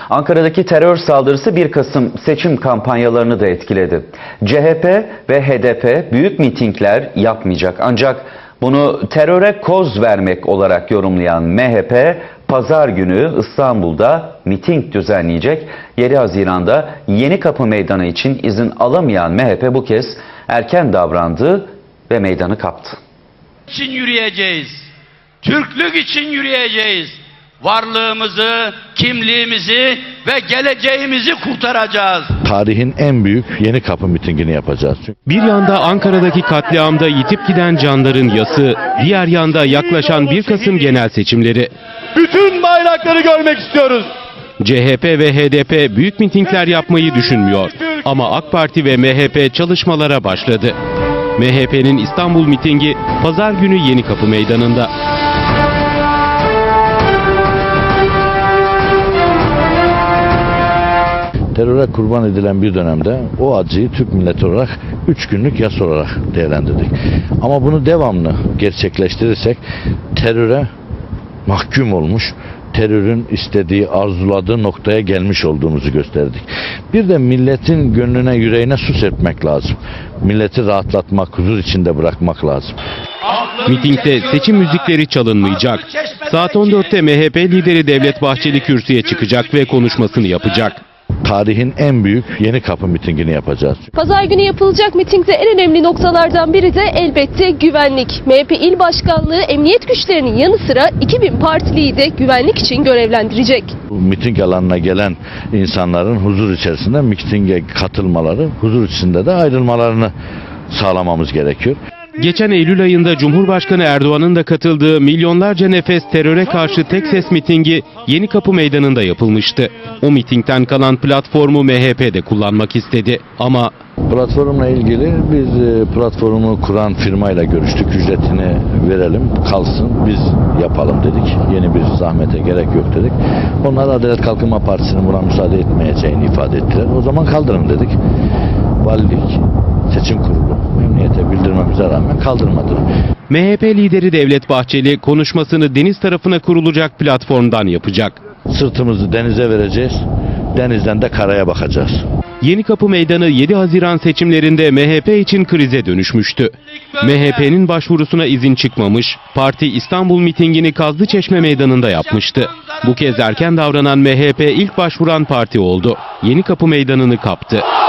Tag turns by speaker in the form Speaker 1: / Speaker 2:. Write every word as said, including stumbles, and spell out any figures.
Speaker 1: Ankara'daki terör saldırısı bir Kasım seçim kampanyalarını da etkiledi. C H P ve H D P büyük mitingler yapmayacak, ancak bunu teröre koz vermek olarak yorumlayan M H P, Pazar günü İstanbul'da miting düzenleyecek. yedi Haziran'da Yenikapı Meydanı için izin alamayan M H P bu kez erken davrandı ve meydanı kaptı.
Speaker 2: için yürüyeceğiz. Türklük için yürüyeceğiz. Varlığımızı, kimliğimizi ve geleceğimizi kurtaracağız.
Speaker 3: Tarihin en büyük Yenikapı mitingini yapacağız.
Speaker 4: Bir yanda Ankara'daki katliamda yitip giden canların yası, diğer yanda yaklaşan bir Kasım genel seçimleri.
Speaker 5: Bütün bayrakları görmek istiyoruz.
Speaker 4: C H P ve H D P büyük mitingler yapmayı düşünmüyor. Ama AK Parti ve M H P çalışmalara başladı. M H P'nin İstanbul mitingi Pazar günü Yenikapı Meydanı'nda.
Speaker 3: Teröre kurban edilen bir dönemde o acıyı Türk milleti olarak üç günlük yas olarak değerlendirdik. Ama bunu devamlı gerçekleştirirsek teröre mahkum olmuş, terörün istediği, arzuladığı noktaya gelmiş olduğumuzu gösterdik. Bir de milletin gönlüne, yüreğine su serpmek lazım. Milleti rahatlatmak, huzur içinde bırakmak lazım.
Speaker 4: Mitingde seçim müzikleri çalınmayacak. Saat on dörtte M H P lideri Devlet Bahçeli kürsüye çıkacak ve konuşmasını yapacak.
Speaker 3: Tarihin en büyük Yenikapı mitingini yapacağız.
Speaker 6: Pazar günü yapılacak mitingde en önemli noktalardan biri de elbette güvenlik. M H P İl Başkanlığı emniyet güçlerinin yanı sıra iki bin partiliyi de güvenlik için görevlendirecek.
Speaker 3: Bu miting alanına gelen insanların huzur içerisinde mitinge katılmaları, huzur içinde de ayrılmalarını sağlamamız gerekiyor.
Speaker 4: Geçen Eylül ayında Cumhurbaşkanı Erdoğan'ın da katıldığı milyonlarca nefes teröre karşı tek ses mitingi Yenikapı Meydanı'nda yapılmıştı. O mitingden kalan platformu M H P de kullanmak istedi. Ama
Speaker 3: Platformla ilgili biz platformu kuran firmayla görüştük. Ücretini verelim, kalsın, biz yapalım dedik. Yeni bir zahmete gerek yok dedik. Onlar Adalet Kalkınma Partisi'nin buna müsaade etmeyeceğini ifade ettiler. O zaman kaldırın dedik. Valilik, seçim kurulu emniyete bildirmemize rağmen kaldırmadı.
Speaker 4: M H P lideri Devlet Bahçeli konuşmasını deniz tarafına kurulacak platformdan yapacak.
Speaker 3: Sırtımızı denize vereceğiz, denizden de karaya bakacağız.
Speaker 4: Yenikapı Meydanı yedi Haziran seçimlerinde M H P için krize dönüşmüştü. M H P'nin başvurusuna izin çıkmamış, parti İstanbul mitingini Kazlıçeşme Meydanı'nda yapmıştı. Bu kez erken davranan M H P ilk başvuran parti oldu. Yenikapı Meydanı'nı kaptı.